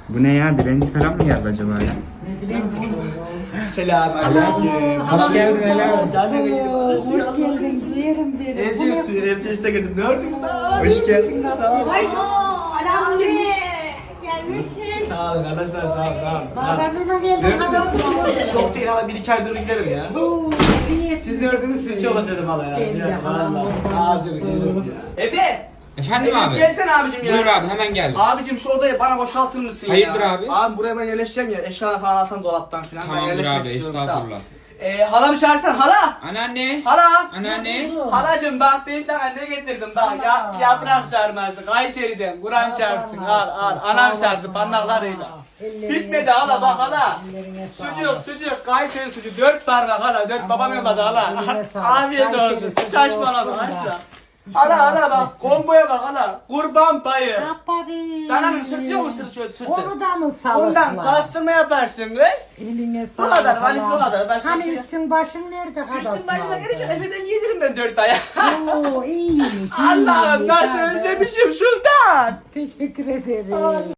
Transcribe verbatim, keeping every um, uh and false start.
Bu ne ya? Dilenci falan mı geldi acaba ya? Selamünaleyküm. Hoş geldin helal olsun. Hoş geldin ciğerim benim. Evciye suyu, evciye girdim. Ne ördün lan? Hoş geldin. Ay, Alam gelmiş. Gelmişsin. Sağ olun arkadaşlar, sağ olun, sağ olun. bağlarına geldin adam. Çok değil ama bir iki ay durun giderim ya. Oo, iyi. Siz ne ördünüz, siz çalışıyordum hala ya. Gel ya, halam Valla. kurban Ağzını olsun. yerim ya. Efe! Efendim Efe abi? gelsene abicim ya. Buyur abi hemen geldim. Abicim şu odayı bana boşaltır mısın Hayırdır ya? abi? Abi buraya ben yerleşeceğim ya. Eşyalar falan alsam dolaptan falan. Ben Tamamdır yerleşmek abi istiyorum, sağ ol. estağfurullah. Ee, halamı çağırsan hala. Anneanne. Hala. Anneanne. Halacım bak ben sana ne getirdim bak ya, yaprak sarması Kayseri'den Kur'an çarpsın al al anam sardı parmaklarıyla. Bitmedi hala bak hala. Sucuk sucuk Kayseri sucuk dört parmak hala dört babam yolladı hala. Eline sağlık. Afiyet olsun Kayseri sucuğu saçmalama olsun da. haşla. Hala hala bak komboya bak hala kurban payı. Yaparım. Dananın sırtıyor mu sırtı şöyle sırtı? Onu da mı sağlıkla? Ondan pastırma yaparsın kız. Eline Bu sağlık. kadar, valiz bu falan. kadar, başka Hani bir şey- üstün başın nerede kadar? Üstün başıma gelince Efe'den yedirim ben dört aya. Oo iyiymiş. Allah'ım iyiymiş nasıl abi. özlemişim sultan. Teşekkür ederim.